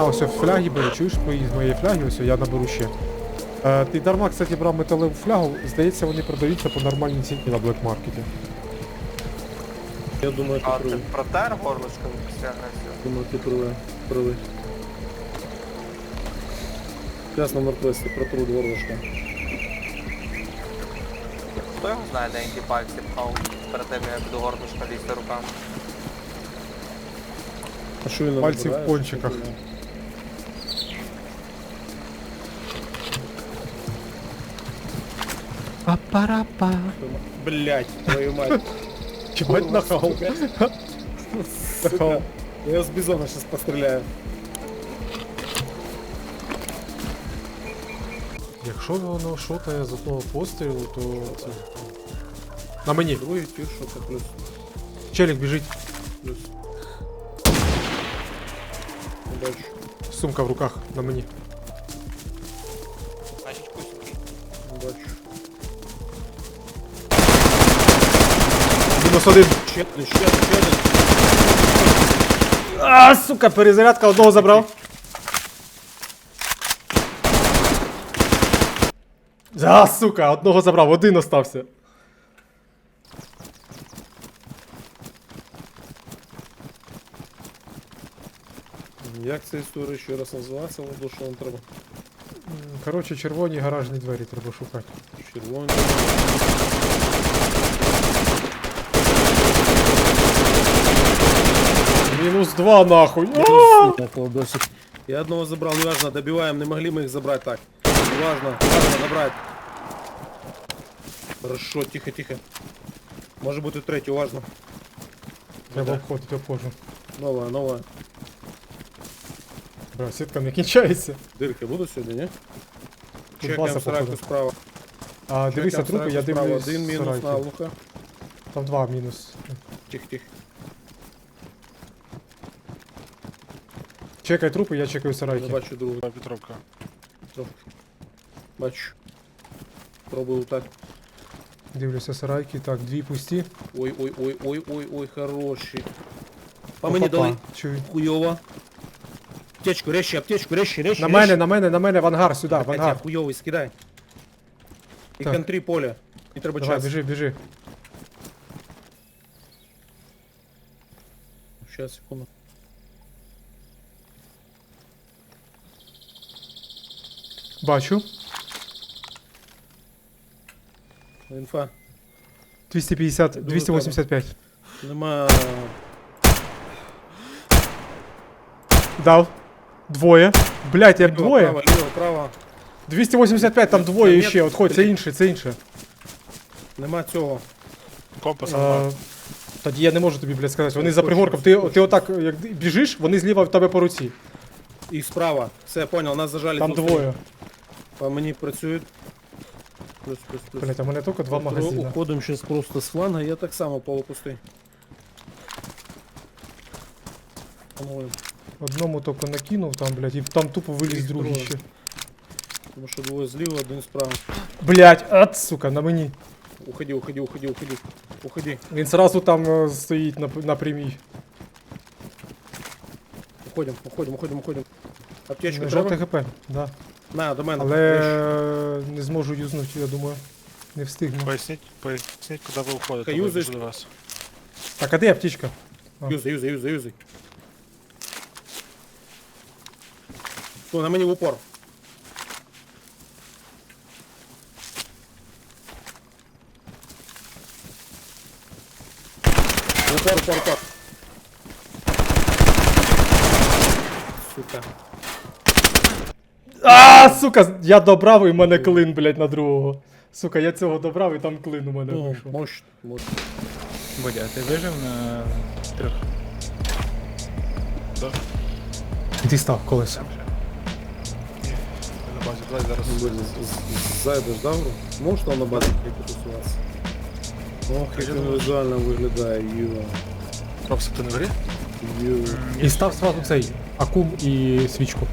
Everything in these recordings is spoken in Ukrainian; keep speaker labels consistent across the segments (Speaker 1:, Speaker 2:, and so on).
Speaker 1: На, ось фляги бери, чуєш з моєї фляги, ось я наберу ще. Ти дарма, кстати, брав металеву флягу, здається, вони продаються по нормальній ціні на блекмаркеті.
Speaker 2: Я думаю, ти
Speaker 3: А ти
Speaker 2: правий.
Speaker 3: протер горлышко після агресії?
Speaker 2: Думаю, ти правий. Зараз на Нордвесті протру горлышко.
Speaker 3: Хто його знає, де які пальці пхав перед тим, як до горлышка лізти руками?
Speaker 2: А що він
Speaker 1: Пальці в
Speaker 2: набирає?
Speaker 1: пончиках. Па-па-ра-па.
Speaker 2: Блять, твою мать.
Speaker 1: Чебать нахал. Нахал.
Speaker 2: Я його з бізона зараз постріляю.
Speaker 1: Якщо воно шотає з одного пострілу, то це... На мені.
Speaker 2: Другий тір, що це плюс.
Speaker 1: Челік біжить.
Speaker 2: Плюс. Не бачу.
Speaker 1: Сумка в руках. На мені.
Speaker 3: Значить, кусінький.
Speaker 2: Не бачу.
Speaker 1: Мінус один.
Speaker 2: Ще один.
Speaker 1: А, сука, перезарядка, одного забрав. А, сука, одного забрав, один остався.
Speaker 2: Як ця історія ще раз називається, Владу, що вам треба?
Speaker 1: Коротше, червоні гаражні двері треба шукати.
Speaker 2: Червоні.
Speaker 1: Мінус два нахуй.
Speaker 2: Досить. Я одного забрал, неважно, добиваем, не могли мы их забрать так. Важно забрать. Хорошо, тихо. Может быть и третий, важно.
Speaker 1: Треба обходити, обходжу.
Speaker 2: Новая.
Speaker 1: Бля, сітка не кінчається.
Speaker 2: Дырки будут сегодня, не?
Speaker 1: Тут
Speaker 2: Чекаем
Speaker 1: баса,
Speaker 2: сарайку
Speaker 1: походу.
Speaker 2: справа.
Speaker 1: А, дивися
Speaker 2: Чекаем
Speaker 1: трупи, я
Speaker 2: сарайку справа.
Speaker 1: дивлюсь
Speaker 2: Один минус
Speaker 1: сарайки.
Speaker 2: на луха.
Speaker 1: Там два мінус.
Speaker 2: Тихо.
Speaker 1: Чекай трупи, я чекаю
Speaker 2: Не
Speaker 1: сарайки.
Speaker 2: бачу другу.
Speaker 4: Петровка.
Speaker 2: Бачу. Пробую так.
Speaker 1: Дивлюся сарайки. Так, дві пусті.
Speaker 2: Ой, хороший. По мені
Speaker 1: Опа-па,
Speaker 2: дали.
Speaker 1: чую.
Speaker 2: Хуёво. Аптечку, резче.
Speaker 1: На мене, в ангар, сюди, в ангар.
Speaker 2: Хуёвый, скидай. І
Speaker 1: Так.
Speaker 2: контрі поле. Не треба
Speaker 1: Давай,
Speaker 2: час.
Speaker 1: біжи.
Speaker 2: Сейчас, секунду.
Speaker 1: Бачу.
Speaker 2: Інфа.
Speaker 1: 250, 285.
Speaker 2: Нема.
Speaker 1: Дав. Двоє. Блять, я двоє.
Speaker 2: Право.
Speaker 1: 285, там двоє
Speaker 2: Ні,
Speaker 1: ще. Отходь, це інше.
Speaker 2: Нема цього.
Speaker 4: Компас.
Speaker 1: Тоді я не можу тобі, блядь, сказати. Вони за пригорком. Ти отак, як біжиш, вони зліва в тебе по руці.
Speaker 2: І справа. Все, понял, нас зажали.
Speaker 1: Там
Speaker 2: тут.
Speaker 1: двоє.
Speaker 2: По мені працюють. Плюс.
Speaker 1: Блять, а в мене тільки два магазини.
Speaker 2: Уходимо зараз просто з фланга, я так само полупустий. По-моєму.
Speaker 1: Одному тільки накинув там, блядь, і там тупо виліз
Speaker 2: Їх
Speaker 1: другий
Speaker 2: троє.
Speaker 1: ще.
Speaker 2: Тому що двоє зліва, один справа.
Speaker 1: Блять, сука, на мені.
Speaker 2: Уходи.
Speaker 1: Він сразу там стоїть на прямій.
Speaker 2: Уходим. Аптечку
Speaker 1: Жовте
Speaker 2: треба?
Speaker 1: ГП, да.
Speaker 2: На, до мене.
Speaker 1: Але не зможу юзнути, я думаю. Не встигну.
Speaker 4: Поясніть, куди ви уходите.
Speaker 2: Юзаєш?
Speaker 4: До вас.
Speaker 1: Так, а де аптечка?
Speaker 2: Юзай. Що, на мені в упор. Упор. Сука.
Speaker 1: Сука, я добрав і в мене клин, блядь, на другого. Сука, я цього добрав і там клин у мене вийшов.
Speaker 2: Мощно.
Speaker 5: Бодя, ти вижив на трьох?
Speaker 4: Да?
Speaker 1: Ти став колесо.
Speaker 4: Ні, на базі. Давай зараз.
Speaker 2: Зайдеш, да, гру? Можеш там на базі прикутуватися? Ох, як він візуально виглядає,
Speaker 4: Робс, ти не в грі?
Speaker 1: І став сразу цей акум і свічку.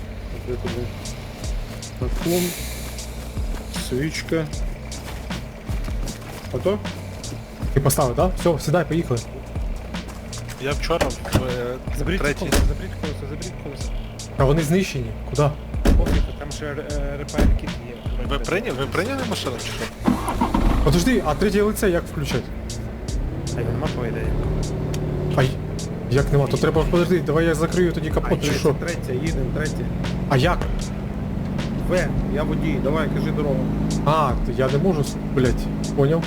Speaker 2: Акум, свічка. Готов?
Speaker 1: Ти поставив, так? Да? Все, сідай, поїхали.
Speaker 4: Я вчора в
Speaker 5: Заберіть
Speaker 4: третій.
Speaker 5: колеса, заберіть колеса.
Speaker 1: А вони знищені. Куди?
Speaker 5: Пофіг, там ще репайр кіт є.
Speaker 4: Ви прийняли машину чи що?
Speaker 1: Подожди, а третє лице як включати?
Speaker 5: А його нема по ідеї.
Speaker 1: Ай, як нема, то треба, подожди, давай я закрию тоді капот чи що?
Speaker 2: Третє, їдемо, третє.
Speaker 1: А як?
Speaker 2: В, я водій, давай, кажи дорогу.
Speaker 1: А, то я не можу, блять, поняв?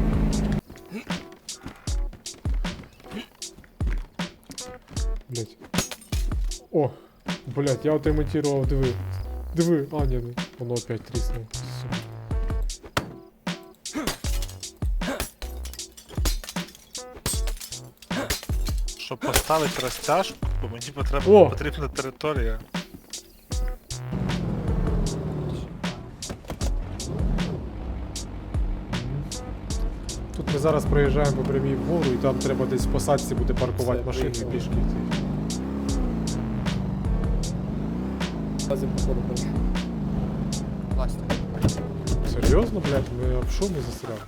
Speaker 1: Блять. О, блять, я отремонтував, диви. Диви, а, ні, ну, воно опять тріснуло. Сука.
Speaker 4: Щоб поставити розтяжку, мені
Speaker 1: О!
Speaker 4: потрібна територія.
Speaker 1: Тут ми зараз проїжджаємо по прямій вгору і там треба десь в посадці буде паркувати
Speaker 2: Все,
Speaker 1: машину і
Speaker 2: приїхали.
Speaker 1: пішки йти.
Speaker 2: Базі походу хорошо.
Speaker 3: Власне.
Speaker 1: Серйозно, блядь, ми об що ми застряли?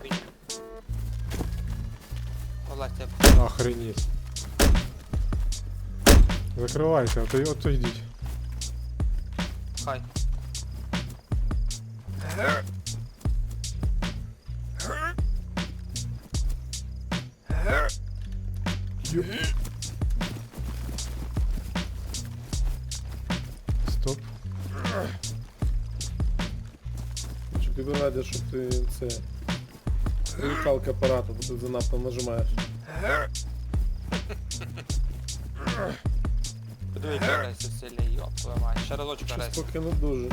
Speaker 3: Власне.
Speaker 1: Охренеть. Закривайте, ото йдіть.
Speaker 3: Хай.
Speaker 1: Стоп.
Speaker 2: Чи тобі радять, щоб ти це... Вимикалка апарату, бо ти занадто нажимаєш.
Speaker 3: Подивіться, Грейсі сильний, йоп, твою мать. Ще разочок
Speaker 2: Щось
Speaker 3: Грейсі.
Speaker 2: поки не дуже.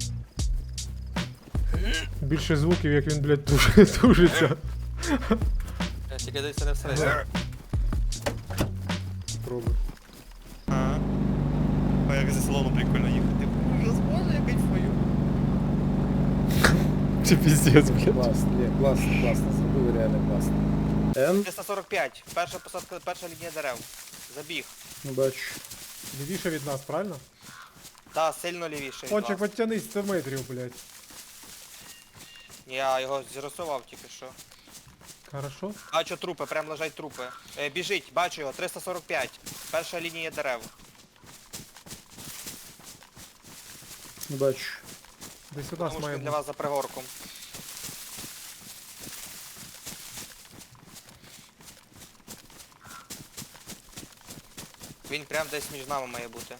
Speaker 1: Більше звуків, як він, блядь, тужиться.
Speaker 3: Тільки десь не всередині.
Speaker 1: Пробуй.
Speaker 6: А як зі салону прикольно їхати. Ужас, боже, я кайфую.
Speaker 1: Чи піздець, блядь.
Speaker 2: Класно, ні, класно, класно, зробили реально класно. Н,
Speaker 3: 345. Перша посадка, перша лінія дерев. Забіг.
Speaker 2: не бачу.
Speaker 1: Лівіше від нас, правильно?
Speaker 3: Та, сильно лівіше. від
Speaker 1: Кончик,
Speaker 3: вас.
Speaker 1: підтянись 100 метрів, блядь.
Speaker 3: Я його зрисував тільки що.
Speaker 1: Хорошо.
Speaker 3: Бачу трупи, прям лежать трупи. Біжить, бачу його, 345. Перша лінія дерев.
Speaker 2: Не бачу.
Speaker 1: Десь у
Speaker 3: Тому
Speaker 1: нас
Speaker 3: що
Speaker 1: має
Speaker 3: він для
Speaker 1: бути.
Speaker 3: вас за пригорком. Він прям десь між нами має бути.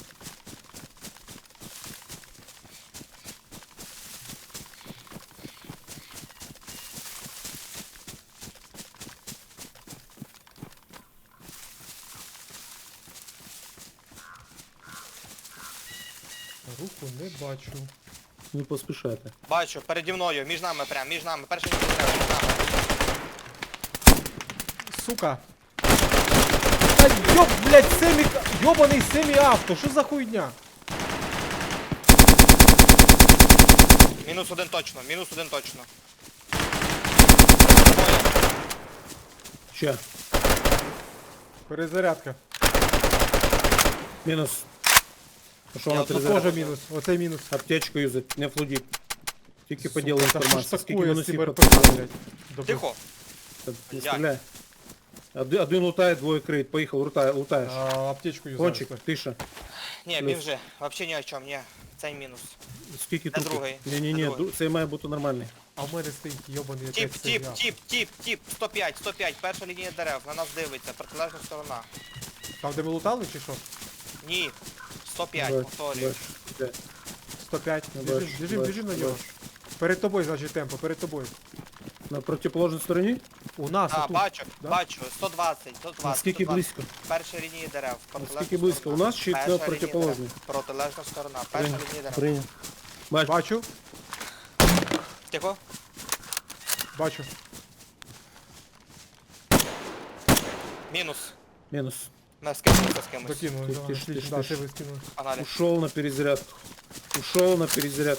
Speaker 1: Руку не бачу.
Speaker 2: Не поспішайте.
Speaker 3: Бачу, переді мною, між нами прям, між нами. Перша лінія дерев, між нами.
Speaker 1: Сука. Та ёб, блядь, ёбаний семі-авто, що за хуйня?
Speaker 3: Мінус один точно, мінус один точно.
Speaker 2: Ще.
Speaker 1: Перезарядка.
Speaker 2: Мінус. А що
Speaker 3: Я
Speaker 2: вона
Speaker 3: тут
Speaker 1: Тут
Speaker 2: перезарядка?
Speaker 1: теж мінус, оцей мінус.
Speaker 2: Аптечку юзать, не флудіть. Тільки по
Speaker 1: Сука,
Speaker 2: ділу
Speaker 1: та що ж
Speaker 2: інформації. Скільки
Speaker 1: такое з
Speaker 2: мінусів
Speaker 1: цим
Speaker 2: по
Speaker 1: РПГ, блядь? Добре.
Speaker 3: Тихо.
Speaker 2: Та Не
Speaker 3: Як?
Speaker 2: стріляй. Один лутає, двоє криють. Поїхав, лутаєш.
Speaker 1: Аптечку юзаю.
Speaker 2: Кончик, тиша.
Speaker 3: Ні,
Speaker 2: Плюс.
Speaker 3: біжи. Вообще ні о чому, ні. Цей мінус.
Speaker 2: Скільки
Speaker 3: Це
Speaker 2: трупів?
Speaker 3: другий.
Speaker 2: Ні-ні-ні,
Speaker 3: Це другий.
Speaker 2: це має бути нормальний.
Speaker 1: А в мене стоїть йобаний
Speaker 3: Тіп,
Speaker 1: опять
Speaker 3: тіп,
Speaker 1: семі-авто.
Speaker 3: тіп, 105, 105, перша лінія дерев, на нас дивиться, протилежна сторона.
Speaker 1: Там де ми лутали чи що?
Speaker 3: Ні, 105,
Speaker 2: Бачу,
Speaker 3: повторюю.
Speaker 2: бачу. Де?
Speaker 1: 105.
Speaker 2: Не
Speaker 1: Біжим,
Speaker 2: бачу,
Speaker 1: біжим,
Speaker 2: бачу,
Speaker 1: біжим на нього.
Speaker 2: бачу.
Speaker 1: Перед тобою, значить, темпо, перед тобою.
Speaker 2: На протиположній стороні?
Speaker 1: У нас
Speaker 3: А,
Speaker 1: отут.
Speaker 3: бачу,
Speaker 1: да?
Speaker 3: бачу, 120, 120,
Speaker 2: Наскільки
Speaker 3: 120.
Speaker 2: близько?
Speaker 3: Перша лінія дерев, протилежна
Speaker 2: Наскільки близько?
Speaker 3: сторона.
Speaker 2: У нас чи
Speaker 3: Перша
Speaker 2: на
Speaker 3: лінія
Speaker 2: протиположній?
Speaker 3: дерев. Протилежна сторона, перша лінія дерев.
Speaker 2: Прийняв. Бачу.
Speaker 1: Бачу,
Speaker 3: Тихо.
Speaker 1: бачу.
Speaker 3: Мінус.
Speaker 2: Мінус.
Speaker 3: Ми скинулися з кимось.
Speaker 1: Докинули,
Speaker 2: Тиш,
Speaker 1: да,
Speaker 2: тиш,
Speaker 1: отлично,
Speaker 2: тиш,
Speaker 1: да,
Speaker 2: тиш.
Speaker 1: ще ви скинули.
Speaker 3: Погнали.
Speaker 2: Ушел на перезарядку. Ушел на перезарядку.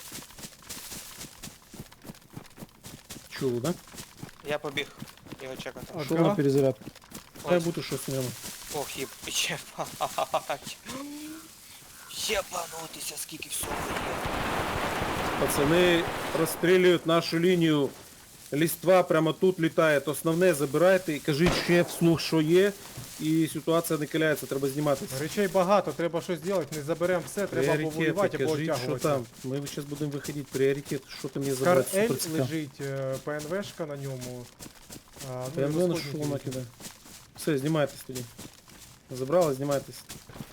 Speaker 2: Чув, да?
Speaker 3: Я побіг його чекати.
Speaker 1: А,
Speaker 2: Ушел
Speaker 1: да?
Speaker 2: на перезарядку. Хай
Speaker 3: Ось.
Speaker 2: бути щось в ньому.
Speaker 3: Ох, єбать. Єбанутися, скільки всього є.
Speaker 2: Пацани розстрілюють нашу лінію. Ліства прямо тут літає. Основне забирайте і кажіть ще вслух, що є. і ситуація накаляється, треба зніматися.
Speaker 1: Речей багато, треба щось робити, не заберемо все, треба або воювати, або
Speaker 2: кажіть, що
Speaker 1: оттягуватися.
Speaker 2: там. Ми зараз будемо виходити, пріоритет, що ти мені
Speaker 1: Скар
Speaker 2: забрати,
Speaker 1: Ель
Speaker 2: супер цікаво.
Speaker 1: лежить, ПНВшка на ньому. Ну,
Speaker 2: Я
Speaker 1: і
Speaker 2: не знаю,
Speaker 1: розходники
Speaker 2: що вона
Speaker 1: які.
Speaker 2: кидає. Все, знімайтесь тоді. Забрали, знімайтесь.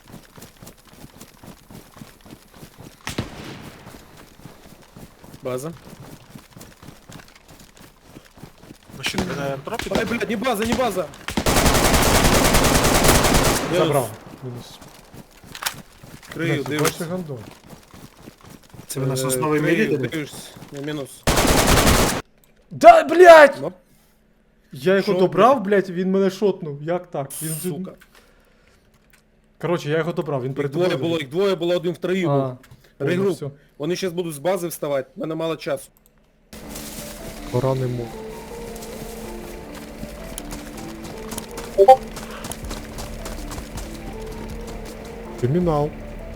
Speaker 2: База.
Speaker 4: Ну що, ти на ентропі?
Speaker 2: Ай, блядь, не база, не база!
Speaker 1: Забрав. Мінус.
Speaker 2: Крию,
Speaker 1: Блядь,
Speaker 2: дивишся.
Speaker 1: бачиш, гандон.
Speaker 7: Це ви на сосновій мірі
Speaker 2: Крию,
Speaker 7: дали?
Speaker 2: дивишся. Не мінус.
Speaker 1: Да, блядь!
Speaker 2: Оп,
Speaker 1: Я його
Speaker 2: Що,
Speaker 1: добрав, блядь, він мене шотнув. Як так? Він...
Speaker 2: сука.
Speaker 1: Коротше, я його добрав, він
Speaker 2: Їх
Speaker 1: перед
Speaker 2: двоє було, їх двоє було, один втроїв був.
Speaker 1: А,
Speaker 2: Регруп.
Speaker 1: все.
Speaker 2: Вони зараз будуть з бази вставати, в мене мало часу.
Speaker 1: Пора не мог. Кримінал.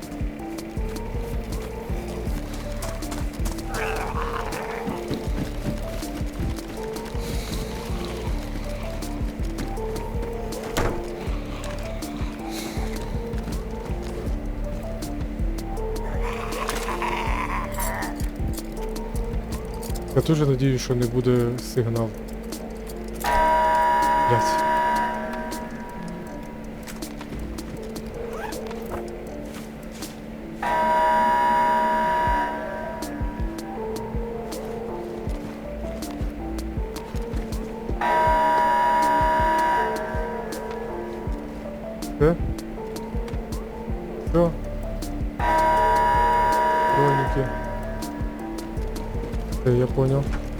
Speaker 1: Я теж надіюсь, що не буде сигнал. Блять. Все? Все? Броники. Я понял.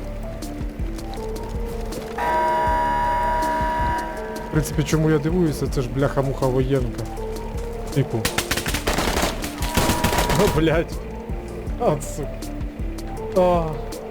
Speaker 1: В принципі, чому я дивуюся, це ж бляха-муха воєнка. Типу. О, блядь. А, сука. А.